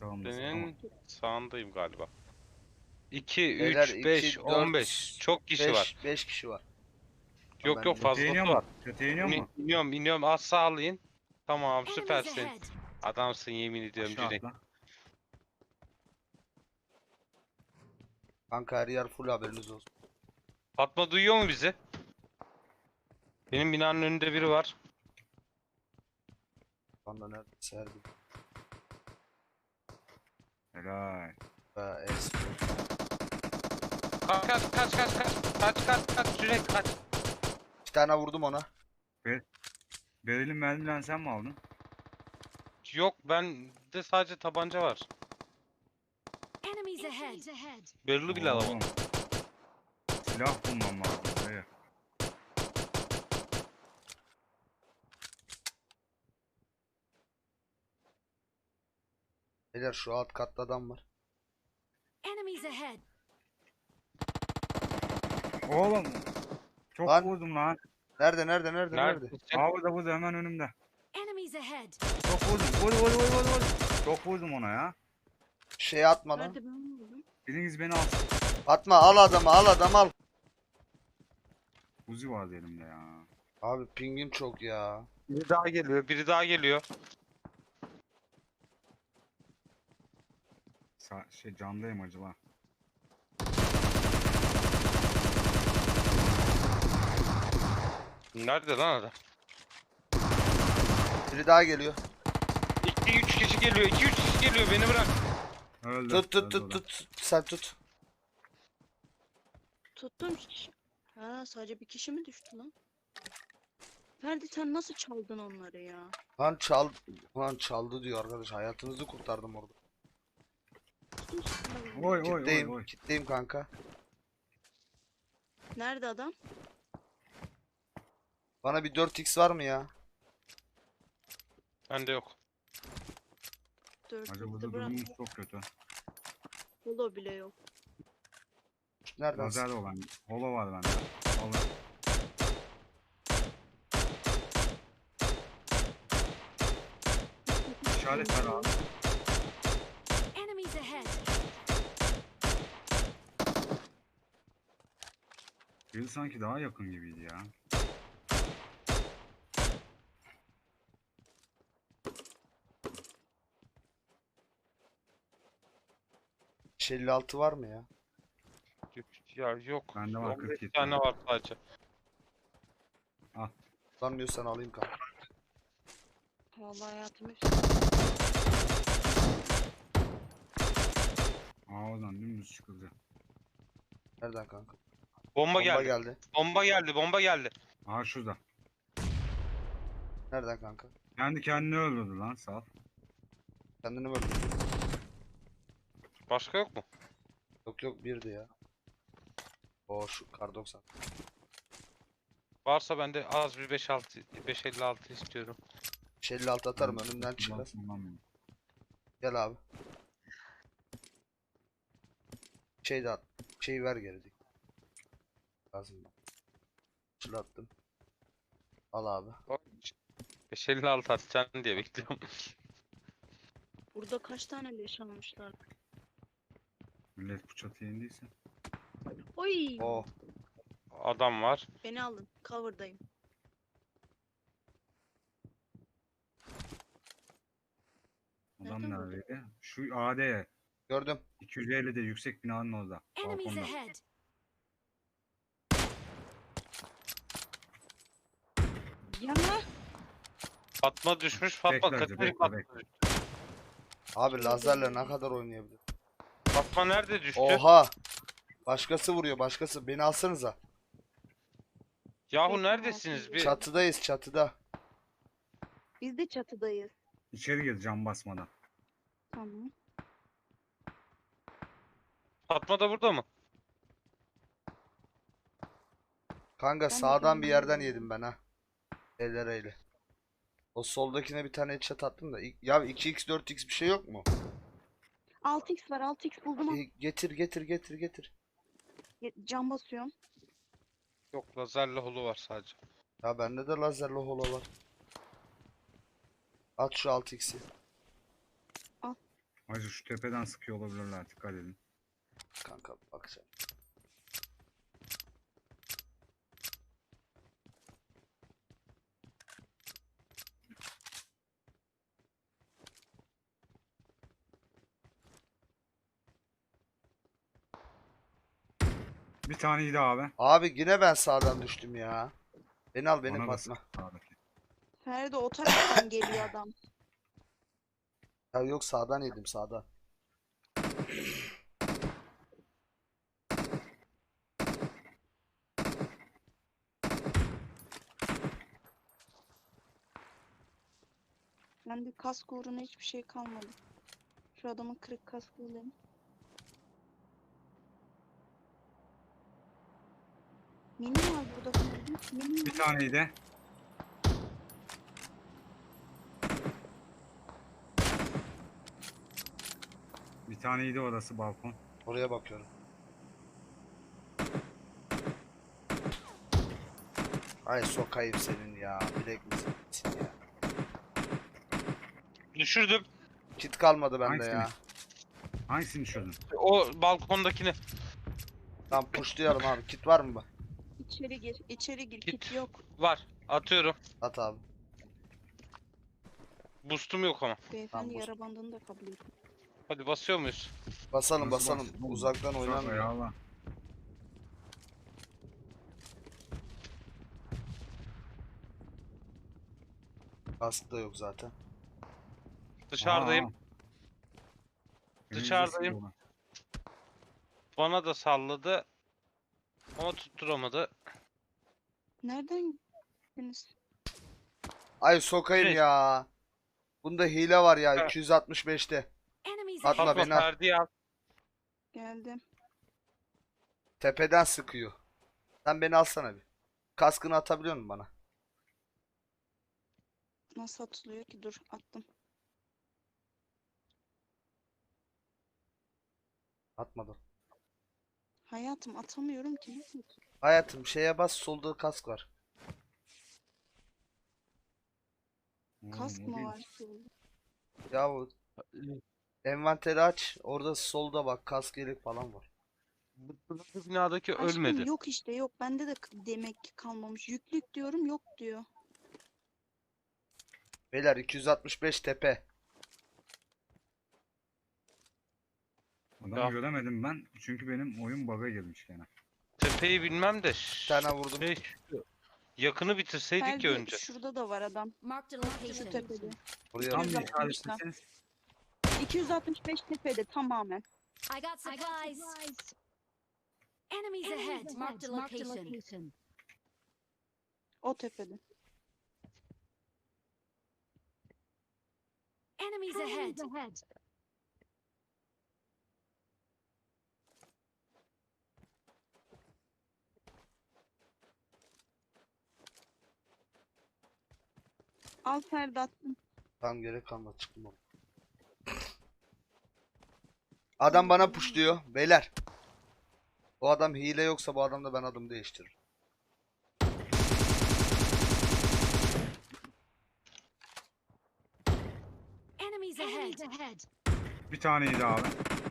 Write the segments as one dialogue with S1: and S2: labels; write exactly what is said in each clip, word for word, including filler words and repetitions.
S1: sağımdasın ama.
S2: Senin sağındayım galiba. iki,
S3: Beyler
S2: üç, beş,
S3: iki,
S2: on
S3: dört,
S2: beş. Çok kişi var.
S3: beş, beş kişi var.
S2: Yok yok
S3: Ben de-
S1: Çatıya iniyor
S2: fazlası var.
S1: mu? Çatıya iniyor
S2: İni,
S1: mu?
S2: iniyorum iniyorum. Az sağlayın. Tamam
S4: Enemies
S2: süpersin.
S4: ahead.
S2: Adamsın yemin ediyorum
S1: Aşağı
S2: Cüneyt.
S1: atla.
S3: Kanka her yer full, haberiniz olsun.
S2: Fatma duyuyor mu bizi? Benim binanın önünde biri var.
S3: Bana neredeyse her bir.
S1: Helal.
S3: Be, es.
S2: Kaç kaç kaç kaç kaç. Kaç kaç kaç Cüneyt kaç.
S3: Bir tane vurdum ona.
S1: Beril'in mermilerini sen mi aldın?
S2: Yok bende sadece tabanca var.
S4: Enemies ahead.
S2: Barrel'ı bile alamadım.
S1: Oğlum, silah bulmam lazım. Buraya.
S3: Beyler şu alt katta adam var.
S4: Enemies ahead.
S1: Oğlum. Çok
S3: Lan.
S1: vurdum lan.
S3: Nerede nerede nerede nerede?
S2: Neredesin?
S1: Aa burada burada hemen önümde.
S4: Enemies ahead.
S1: Çok vurdum. Vur vur vur vur vur. Çok vurdum ona ya.
S3: Şey atma lan.
S5: Nerede ben vurdum?
S1: Biriniz beni alsın.
S3: Atma, al adamı al adamı al.
S1: Uzi vardı elimde ya.
S3: Abi pingim çok ya.
S2: Biri daha geliyor. Biri daha geliyor.
S1: Sa şey camdayım acaba.
S2: Nerede lan adam?
S3: Biri daha geliyor.
S2: iki üç kişi geliyor. iki üç kişi geliyor. Beni bırak.
S1: Öldü.
S3: Tut tut
S1: öldü
S3: tut
S1: o da.
S3: tut. Sen tut.
S5: Tuttum. Ha, sadece bir kişi mi düştü lan? Ferdi sen nasıl çaldın onları ya?
S3: Lan çal lan çaldı diyor arkadaş. Hayatınızı kurtardım orada.
S5: Tuttum silahı.
S1: Oy oy oy
S3: Kitleyim,
S1: oy.
S3: kitleyim kanka.
S5: Nerede adam?
S3: Bana bir dört x var mı ya?
S2: Bende yok.
S5: Dört
S1: Acaba burada
S5: yüzde bırak.
S1: durumumuz çok kötü.
S5: Holo bile yok.
S3: Nereden?
S1: Lazer olan. Holo var bende. Holo. İşaret ver abi.
S4: Enemies ahead.
S1: Biri sanki daha yakın gibiydi ya.
S3: beş elli altı var mı ya?
S2: Ya yok.
S1: Bende var
S2: on beş
S1: kırk yedi
S2: tane
S1: tane.
S2: var sadece.
S3: Sanmıyorsan alayım kanka.
S5: Vallahi hayatım hep
S1: Aa oradan dümdüz çıkıldı.
S3: Nereden kanka?
S2: Bomba,
S3: Bomba
S2: geldi.
S3: geldi.
S2: Bomba geldi. Bomba geldi.
S1: Aa şurada.
S3: Nereden kanka?
S1: Kendi kendini öldürdü lan sağ ol.
S3: Kendini mi öldürdün?
S2: Başka yok mu?
S3: Yok yok, birdi ya. O şu kar doksan.
S2: Varsa ben de az bir beş altı beş elli altı istiyorum.
S3: beş elli altı atarım, önümden çıkar.
S1: Kullanmıyorum.
S3: Gel abi. Şey de at. Şey ver geri. Lazım. Çılattım. Al abi.
S2: beş elli altı atacaksın diye bekliyorum.
S5: burada kaç tane leş almışlar?
S1: Millet bu çatıya indiyse.
S5: Oy!
S3: Oh.
S2: Adam var.
S5: Beni alın. Cover'dayım.
S1: Adam
S5: Nereden buldun?
S1: neredeydi? Şu A D.
S3: Gördüm.
S1: iki yüz elli'de yüksek binanın orada.
S4: Enemies
S1: Balkonda.
S4: ahead.
S5: Yana!
S2: Fatma düşmüş. Fatma
S1: Bekle,
S2: kaçıncı
S1: bekle,
S2: Fatma
S1: bekle.
S2: düştü?
S3: Abi lazerle ne kadar oynayabilir?
S2: Fatma nerede düştü?
S3: Oha. Başkası vuruyor, başkası. Beni alsanıza.
S2: Yahu
S5: Bekle,
S2: neredesiniz?
S5: altı.
S2: Bir
S3: Çatıdayız, çatıda.
S5: Biz de çatıdayız.
S1: İçeri gir cam basmadan.
S5: Tamam.
S2: Fatma da burada mı?
S3: Kanka
S5: de
S3: sağdan bir yerden
S5: kendime
S3: yedim ben ha. Eller eyle. O soldakine bir tane headshot attım da. İ- Ya iki x dört x bir şey yok mu?
S5: altı x var. altı x buldum.
S3: E, getir getir getir getir.
S5: Ye- Cam basıyorum.
S2: Yok lazerle holu var sadece.
S3: Ya bende de lazerli holo var. At şu altı x'i.
S5: Al.
S1: Hacı şu tepeden sıkıyor olabilirler, dikkat edin.
S3: Kanka bakacağım.
S1: Bir taneydi abi.
S3: Abi yine ben sağdan düştüm ya. Beni al beni
S1: Bana da
S3: Fatma.
S1: sıktı sağdaki.
S5: Ferdi o taraftan geliyor adam.
S3: Ya yok sağdan yedim sağdan.
S5: Bende kask uğruna hiçbir şey kalmadı. Şu adamın kırık kaskı alayım. Mini var burada Ferdi. Mini
S1: Bir
S5: var.
S1: taneydi. Bir taneydi orası balkon.
S3: Oraya bakıyorum. Ay sokayım senin ya. Bilek misin ya.
S2: Düşürdüm.
S3: Kit kalmadı bende
S1: Hangisini?
S3: ya.
S1: Hangisini düşürdün?
S2: O balkondakini.
S3: Tamam pushlayalım abi. Kit var mı bak?
S5: İçeri gir. İçeri gir.
S2: Git.
S5: Kit yok.
S2: Var. Atıyorum.
S3: At abi.
S2: Boost'um yok ama.
S5: Beyefendi
S3: bu-
S5: yara bandını da kabul ediyor.
S2: Hadi basıyor muyuz?
S3: Basalım
S1: Nasıl
S3: basalım.
S1: bastın oğlum?
S3: Uzaktan
S1: Uzak
S3: oynanmıyor.
S1: ya Allah.
S3: Kask da yok zaten.
S2: Dışarıdayım.
S1: Aa.
S2: Dışarıdayım.
S1: Elinize
S2: Bana da salladı. Ama tutturamadı.
S5: Nereden gittiniz?
S3: Ay sokayım
S2: Şey-
S3: ya. Bunda hile var ya
S2: Ha.
S3: iki yüz altmış beşte.
S4: Enemies
S3: Fatma,
S4: ahead.
S2: Fatma
S3: beni al.
S2: Ferdi'yi al.
S5: Geldim.
S3: Tepeden sıkıyor. Sen beni alsana bir. Kaskını atabiliyor musun bana?
S5: Nasıl atılıyor ki? Dur attım.
S3: Atmadım.
S5: Hayatım atamıyorum ki. Nasıl atayım?
S3: Hayatım şeye bas solda kask var.
S5: Kask
S1: Oğlum, o
S5: mı
S1: değil.
S5: var şurada?
S3: Ya o envanteri aç. Orada solda bak kask yelek falan var.
S2: Bu bu binadaki
S5: Aşkım
S2: ölmedi.
S5: yok işte yok. Bende de k- demek ki kalmamış. Yüklük diyorum yok diyor.
S3: Beyler iki yüz altmış beş tepe.
S1: Adamı
S2: Ya.
S1: göremedim ben. Çünkü benim oyun bug'a girmiş gene.
S2: Tepeyi bilmem de.
S3: Bir tane vurdum.
S2: Şey, şu- yakını bitirseydik
S5: Ferdi
S2: ya önce.
S5: şurada da var adam.
S4: Marked a
S5: Şu
S4: location.
S5: tepede.
S3: Oraya
S1: Tam
S5: yüz
S1: bir
S3: bakıyorum.
S5: altmış
S1: işaretleseniz.
S5: iki yüz altmış beş tepede tamamen.
S4: I got supplies. Enemies ahead. Marked a location.
S5: O tepede.
S4: Enemies ahead.
S5: Al Ferdi attım.
S3: Tam gerek kalmadı çıktım oğlum. Adam bana pushluyor. Beyler. O adam hile yoksa bu adam da ben adım değiştiririm.
S4: Enemies ahead.
S1: Bir taneydi abi.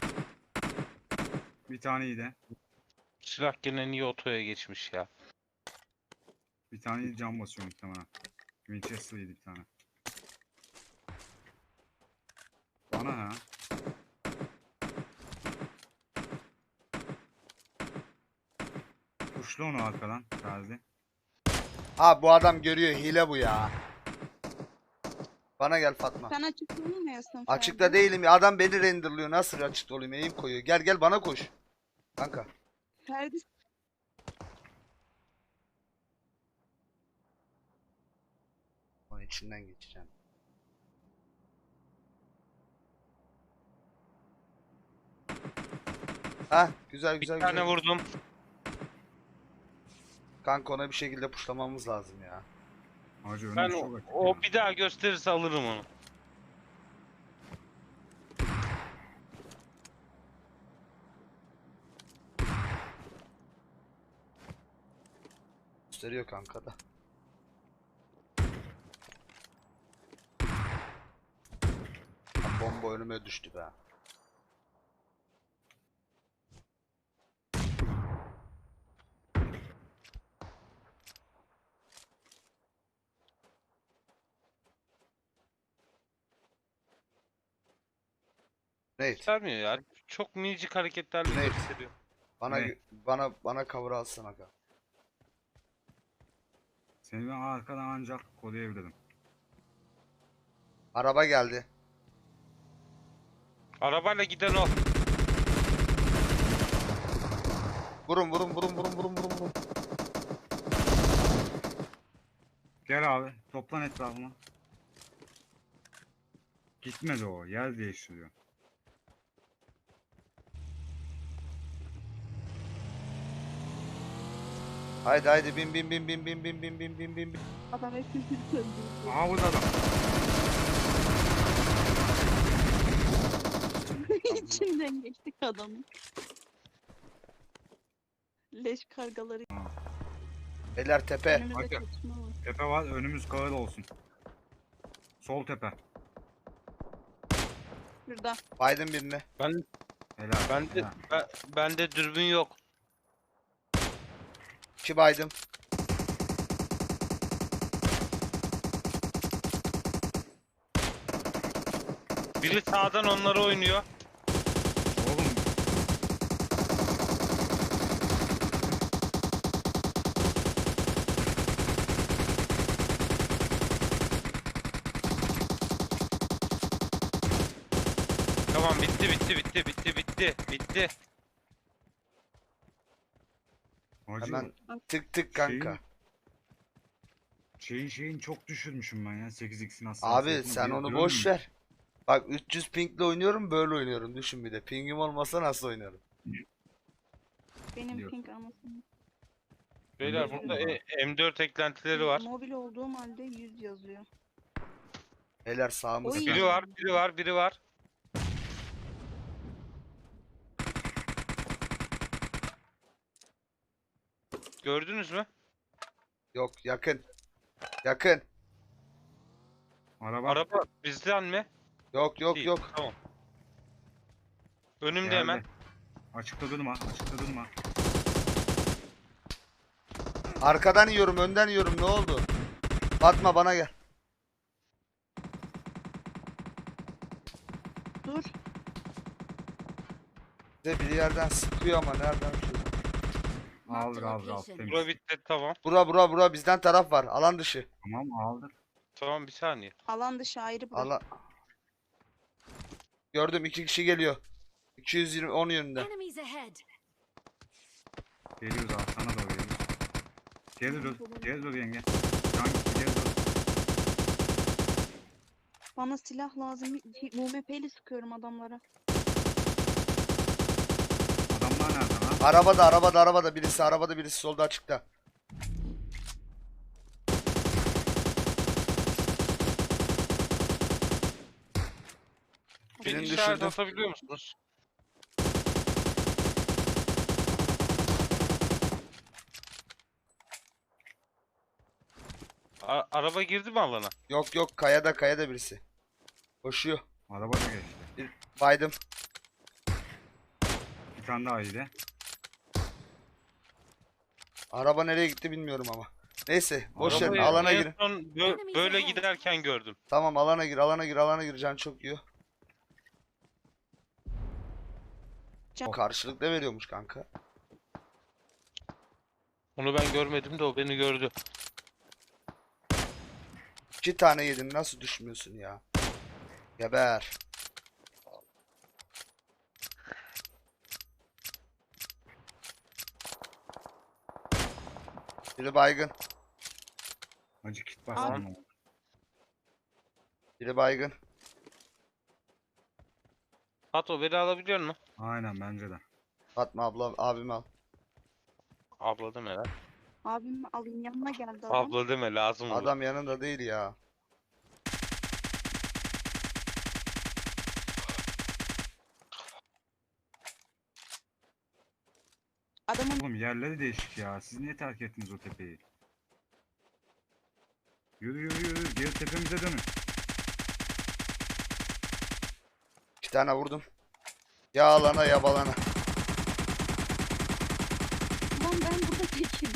S1: Bir taneydi.
S2: Silah gene niye otoya geçmiş ya?
S1: Bir tane cam basıyor muhtemelen. Winchester'ıydı bir tane. Bana ha. Kuşlu onu arkadan. Gazi.
S3: Ha bu adam görüyor hile bu ya. Bana gel Fatma.
S5: Sen açık olmuyorsun Ferdi.
S3: Açıkta değilim ya. Adam beni renderlıyor. Nasıl açıkta olayım? Eğim koyuyor. Gel gel bana koş. Kanka.
S5: Ferdi
S3: Onun içinden geçeceğim. Ha güzel
S2: Bir
S3: güzel
S2: tane
S3: güzel.
S2: vurdum.
S3: Kanka ona bir şekilde puşlamamız lazım ya.
S1: Hacı önüm
S2: Ben
S1: çok
S2: o,
S1: açık
S2: o
S1: ya.
S2: bir daha gösterirse alırım onu.
S3: Gösteriyor kanka da. Ha, bomba araba önüme düştü be. Nate,
S2: Göstermiyor ya. Çok minicik hareketlerle
S3: Ne?
S2: gösteriyor.
S3: bana
S1: Ne?
S3: bana bana cover alsana aga.
S1: Seni ben arkadan ancak koruyabilirim.
S3: Araba geldi.
S2: Arabayla giden o.
S3: Vurun vurun vurun vurun vurun vurun vurun.
S1: Gel abi toplan etrafıma. Gitmedi o, yer değiştiriyor.
S3: Haydi haydi bin bin bin bin bin bin bin bin bin bin bin.
S5: Adam hepimizi öldürdü.
S1: Aha burada adam.
S5: İçinden geçtik adamın. Leş kargaları
S3: Beyler tepe.
S5: önümüzde
S1: Hadi.
S5: çatışma var.
S1: Tepe var, önümüz kağıt olsun. Sol tepe.
S5: Şurada.
S3: Biden birini.
S2: Ben
S1: Helal.
S2: bende
S1: helal.
S2: ben, bende dürbün yok.
S3: İki baydım.
S2: Biri sağdan onları oynuyor.
S1: Oğlum
S2: Tamam bitti bitti bitti bitti bitti bitti.
S1: hacı
S3: Hemen tık tık kanka.
S1: şeyin şeyin çok düşürmüşüm ben ya sekiz x'in
S3: Abi
S1: hassasiyetini.
S3: sen
S1: Bir
S3: onu
S1: diyorum
S3: boş
S1: ya,
S3: ver. Bak üç yüz pingle oynuyorum böyle oynuyorum düşün bir de. Pingim olmasa nasıl oynarım?
S5: Benim
S1: Yok.
S5: ping anasını.
S2: Beyler
S1: Biliyorsun
S2: burada
S1: baba.
S2: e- M dört eklentileri var.
S5: Mobil olduğum halde yüz yazıyor.
S3: Beyler sağımız.
S5: Oy.
S2: Biri var, biri var, biri var. Gördünüz mü?
S3: Yok yakın. Yakın.
S1: Araba,
S2: Araba bizden mi?
S3: Yok yok
S2: Değil,
S3: yok.
S2: Tamam. Önümde
S1: geldi.
S2: hemen.
S1: Açıkta durma, açıkta durma.
S3: Arkadan yiyorum önden yiyorum ne oldu? Fatma bana gel.
S5: Dur.
S3: Bize bir yerden sıkıyor ama nereden? Şuradan.
S1: Aldık aldık aldık.
S4: location.
S1: Temiz.
S2: Bura bitti tamam.
S3: Bura bura bura bizden taraf var. Alan dışı.
S1: Tamam aldık.
S2: Tamam bir saniye.
S5: Alan dışı ayrı bırak.
S3: Alan. Gördüm iki kişi geliyor. iki yüz yirmi on yönünde.
S4: Enemies ahead.
S1: Geliyoruz abi sana doğru geliyoruz. Geri dur, geri dur yenge. Can geri dur.
S5: Bana silah lazım. U M P'li sıkıyorum adamlara.
S1: Adamlar nerede lan?
S3: Arabada arabada arabada birisi arabada birisi solda açıkta.
S2: Bir
S3: Birini
S2: işaret
S3: düşürdüm.
S2: atabiliyor musunuz? A- araba girdi mi alana?
S3: Yok yok kayada kayada birisi. Koşuyor.
S1: Araba da geçti.
S3: Baydım.
S1: Bir tane daha iyiydi.
S3: Araba nereye gitti bilmiyorum ama. Neyse boş verin
S2: Arabayı
S3: alana
S2: en
S3: girin.
S2: son bö- böyle giderken gördüm.
S3: Tamam alana gir alana gir alana gir can çok yiyor.
S5: Can-
S3: Karşılık ne veriyormuş kanka?
S2: Onu ben görmedim de o beni gördü.
S3: İki tane yedin nasıl düşmüyorsun ya? Geber. Biri baygın.
S1: Acı kit basalım. ama.
S3: Biri baygın.
S2: Hato beni alabiliyor musun?
S1: Aynen bence de.
S3: Fatma abla abimi al.
S2: Abla deme lan.
S5: Abim alayım yanına geldi adam.
S2: Abla deme lazım olur.
S3: Adam yanında değil ya.
S5: Adamın
S1: Oğlum yerleri değişik ya. Siz niye terk ettiniz o tepeyi? Yürü yürü yürü. Geri tepemize dönün.
S3: İki tane vurdum. Ya alana ya balana.
S5: Ulan ben burada tekim.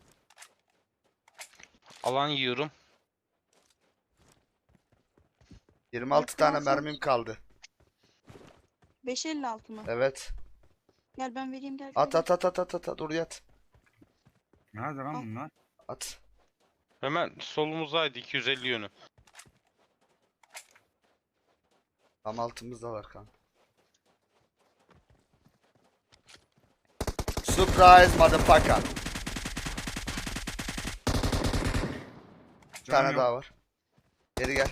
S2: Alan yiyorum.
S3: yirmi altı tane mermim kaldı.
S5: beş elli altı mı?
S3: Evet.
S5: Gel ben vereyim gel.
S3: At
S5: gel.
S3: at at at at at. Dur yat.
S1: Nerede lan bunlar?
S3: At.
S2: Hemen solumuzdaydı iki yüz elli yönü.
S3: Tam altımızdalar kanka. Surprise motherfucker. Bir tane
S1: Canım
S3: daha
S1: yok.
S3: var. Geri gel.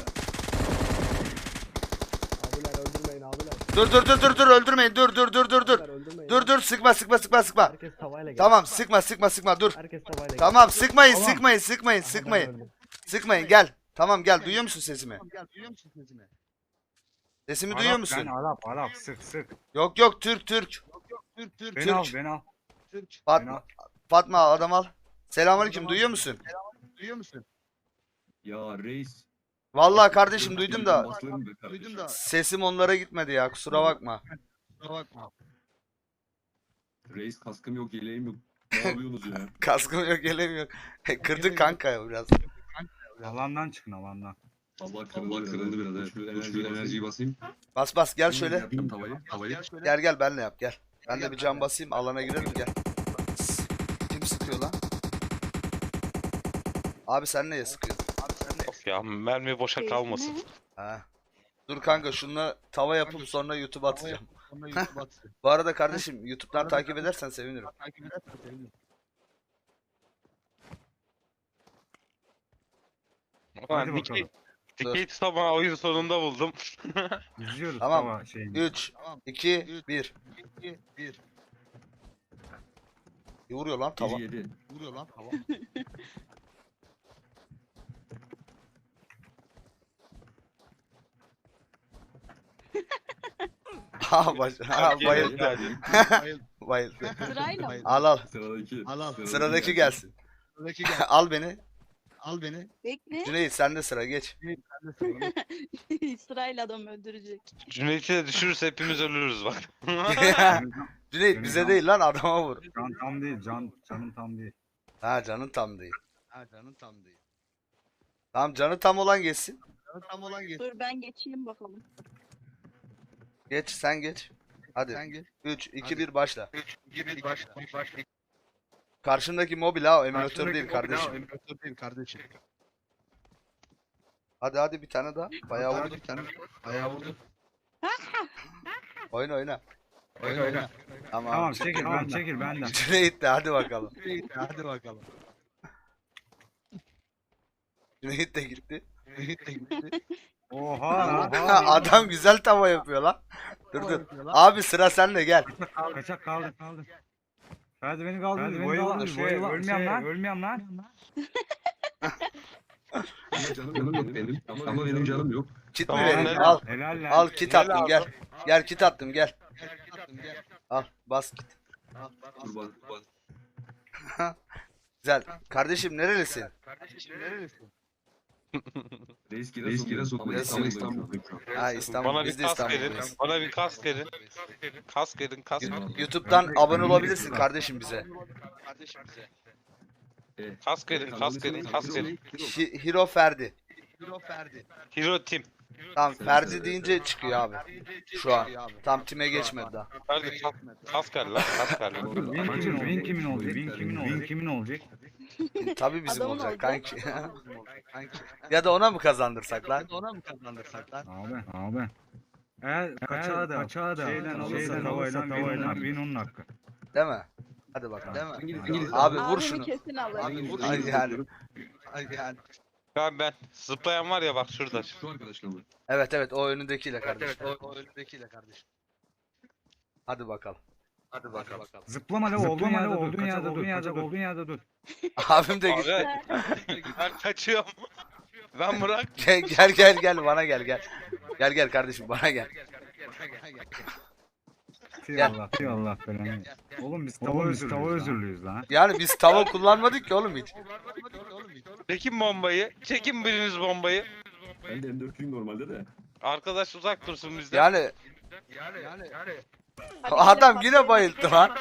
S6: Abiler öldürmeyin abiler.
S3: Dur dur dur dur dur öldürmeyin. Dur dur dur dur dur.
S6: Abiler öldürmeyin.
S3: Dur dur sıkma sıkma sıkma sıkma.
S6: Herkes tavayla gel.
S3: Tamam sıkma sıkma sıkma dur.
S6: Herkes tavayla gel.
S3: Tamam sıkmayın
S1: Tamam.
S3: sıkmayın sıkmayın
S6: Aha, ben
S3: sıkmayın.
S6: öldüm.
S3: Sıkmayın gel. Tamam gel duyuyor musun sesimi?
S7: Gel duyuyor musun sesimi?
S3: Sesimi
S1: Arap,
S3: duyuyor
S1: Ben
S3: musun?
S1: Arap Arap sık sık.
S3: Yok yok Türk Türk.
S7: Türk Türk
S1: Beni
S3: Türk.
S1: al beni al.
S7: Türk.
S1: Beni
S3: Fatma
S1: al.
S3: Fatma adam al. Selamünaleyküm duyuyor musun?
S7: Duyuyor musun?
S8: Ya reis.
S3: Vallahi kardeşim duydum da
S8: Basılır be kardeşim.
S7: Duydum da
S3: sesim onlara gitmedi ya kusura bakma.
S7: kusura bakma.
S8: Reis kaskım yok, yeleğim yok. Ne yapıyorsunuz ya?
S3: Kaskım yok gelemiyor. Kırdık kanka ya biraz.
S1: Alandan çıkın alandan.
S8: Allah kırıldı, Allah kırıldı biraz. Evet. Şu enerji, enerjiyi basayım.
S3: Bas bas gel şöyle.
S8: Yapayım tavayı. Tavayı.
S7: Gel şöyle.
S3: Gel gel benle yap gel. Ben de bir cam basayım alana girelim gel. Sss, kim sıkıyor lan? Abi sen neye sıkıyorsun?
S7: Abi sen de
S2: Of ya mermi boşa
S5: Keyfine.
S2: kalmasın.
S3: Ha. Dur kanka şununla tava yapıp sonra YouTube'a atacağım.
S7: sonra YouTube'a atsın.
S3: Bu arada kardeşim YouTube'dan takip edersen sevinirim.
S7: Takip edersen sevinirim.
S2: Ulan
S1: Hadi
S2: dikey,
S1: bakalım.
S2: dikey tutamağı oyun sonunda buldum.
S1: İzliyoruz
S3: Tamam.
S1: tava şeyini.
S3: üç,
S7: Tamam.
S3: iki, bir.
S7: iki, bir.
S3: İyi vuruyor lan tava.
S8: Bir yedi.
S7: Vuruyor lan hava.
S3: Ha baş. Ha bayıldı.
S7: Bayıl.
S3: Bayıldı.
S5: Sırayla mı?
S3: Al al.
S8: Sıradaki.
S7: Al al.
S3: Sıradaki gelsin.
S7: Sıradaki gel.
S3: Al beni.
S7: Al beni.
S5: Bekle.
S3: Cüneyt sende sıra geç.
S7: Ben de sıradaki.
S5: Sırayla adam öldürecek.
S2: Cüneyt'i de düşürürse hepimiz ölürüz bak.
S3: Cüneyt bize değil lan adama vur.
S1: Can tam değil. Can canın tam değil.
S3: Ha canın tam değil.
S7: Ha canın tam değil.
S3: Tamam canı tam olan geçsin.
S7: Canın tam olan geç.
S5: Dur ben geçeyim bakalım.
S3: Geç sen geç. Hadi.
S7: Sen geç.
S3: üç, iki,
S7: Hadi.
S3: bir başla.
S7: Gibi başla. Başla.
S3: Karşındaki mobil ha o emülatör değil kardeşim.
S7: Emülatör değil kardeşim.
S3: Hadi hadi bir tane daha. Bayağı
S7: Hadi
S3: vurdu.
S7: bir tane. Ayağı vurdu.
S3: Oyna oyna.
S7: Oyna oyna.
S3: Tamam.
S1: Tamam çekil ben çekil benden.
S3: Cüneyt de hadi bakalım.
S7: Hadi bakalım.
S3: Cüneyt de gitti.
S1: Oha.
S3: Adam güzel tava yapıyor lan. Dur dur. Abi sıra sende gel.
S1: Kaçak kaldı kaldı. Ferdi beni kaldı. Ferdi beni kaldı. Şey, ölmeyen lan. Ölmeyen lan.
S8: Ama canım, canım yok benim. Ama benim canım yok.
S3: Kit mi
S2: Tamam,
S3: vereyim?
S2: ben-
S3: Al.
S1: Helal lan.
S3: Al kit
S2: Gel
S3: attım
S2: abi.
S3: gel. Gel kit attım gel. Al bas kit.
S8: Dur bak. bak.
S3: Güzel. Kardeşim nerelisin?
S7: Kardeşim nerelisin?
S8: Reis Giresun. Reis Giresun. Ama
S3: Giresun.
S8: İstanbul'dayım şu an.
S3: Ha İstanbul.
S2: Bana
S3: Biz
S2: bir
S3: de
S2: kask verin.
S3: İstanbul'dayız.
S2: Bana bir kask verin. Kask verin kask.
S3: Yu- YouTube'dan abone olabilirsin kardeşim bize.
S7: Kardeşim bize.
S2: Kask verin kask verin kask verin.
S3: Hi- Hero Ferdi.
S7: Hero Ferdi.
S2: Hero Team.
S3: Tamam Ferdi deyince çıkıyor abi. Şu an. Tam time geçmedi daha.
S2: Hadi kask, kask ver lan kask ver lan.
S1: Win kimin, win kimin olacak? Win kimin olacak? Win kimin olacak?
S3: Tabii bizim
S5: Adamın
S3: olacak
S5: olacak.
S3: kanki.
S7: Kanki.
S3: Ya da ona mı kazandırsak lan?
S7: Ona mı kazandırsak lan?
S1: Abi abi. Eğer kaçağı da, kaçağı da şeyden alırsa tavayla tavayla win onun hakkı.
S3: Değil mi? Hadi bakalım.
S7: Değil mi?
S8: İngiliz, İngiliz.
S3: Abi vur
S5: Abimi
S3: şunu.
S5: kesin alır.
S7: Abi vur.
S3: Ay yani.
S7: Ay yani.
S2: Ben ben zıplayan var ya bak şurada.
S8: Şu arkadaşla mı?
S3: Evet evet o önündekiyle kardeşim.
S7: Evet, o, o önündekiyle kardeşim.
S3: Hadi bakalım.
S7: Hadi bakalım.
S1: Zıplama la olduğun yerde olduğun yerde olduğun yerde olduğun yerde dur.
S3: Abim de gitti.
S2: Abi ben kaçıyorum. Ben bırak.
S3: Gel gel gel gel bana gel gel. Gel gel kardeşim bana gel.
S1: Allah Allah falan. Oğlum biz tava özürlüyüz, tava özürlüyüz lan.
S3: Yani biz tava kullanmadık ki oğlum hiç.
S2: Çekin bombayı. Çekin biriniz bombayı.
S8: Ben de M dörtlüyüm normalde de.
S2: Arkadaş uzak dursun bizden.
S3: Yani
S7: Yani yani.
S3: adam yine bayıldı lan.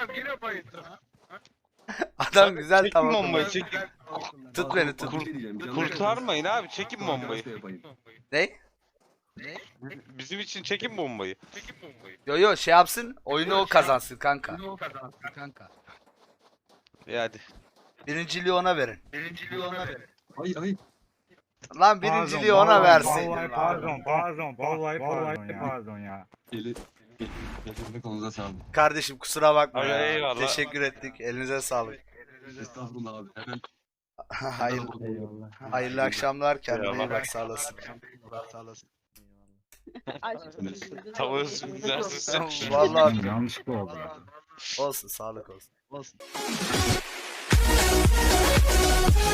S3: Adam güzel
S2: Çekin
S3: tamam.
S2: bombayı çekin.
S3: Tut beni tut.
S8: Bir şey diyeceğim, canım
S2: Kurtarmayın abi çekin
S8: yakın.
S2: bombayı.
S8: Arkadaşla yapayım.
S3: Ne?
S2: Bizim için çekin bombayı. Çekin bombayı.
S3: Yo yo şey yapsın oyunu o kazansın kanka.
S7: Kanka.
S2: E hadi.
S3: Birinciliği ona verin.
S7: Birinciliği ona ver.
S8: Ay ay.
S3: Lan birinciliği ona versin.
S1: Vallahi pardon, pardon, vallahi pardon ya. Pardon ya.
S8: Eli. Elinde konuza sağlık.
S3: Kardeşim kusura bakma
S2: Ay,
S3: ya.
S2: eyvallah.
S3: Teşekkür ettik. Elinize sağlık.
S8: Estağfurullah abi. Hemen.
S3: Hayır, hayırlı akşamlar. Kendine iyi
S2: Eyvallah.
S3: bak sağ olasın.
S7: Sağ olasın.
S2: Tavuğun üstünü dersin.
S3: Vallahi
S1: Yanlışlıkla oldu ya.
S3: olsun sağlık olsun.
S7: Olsun.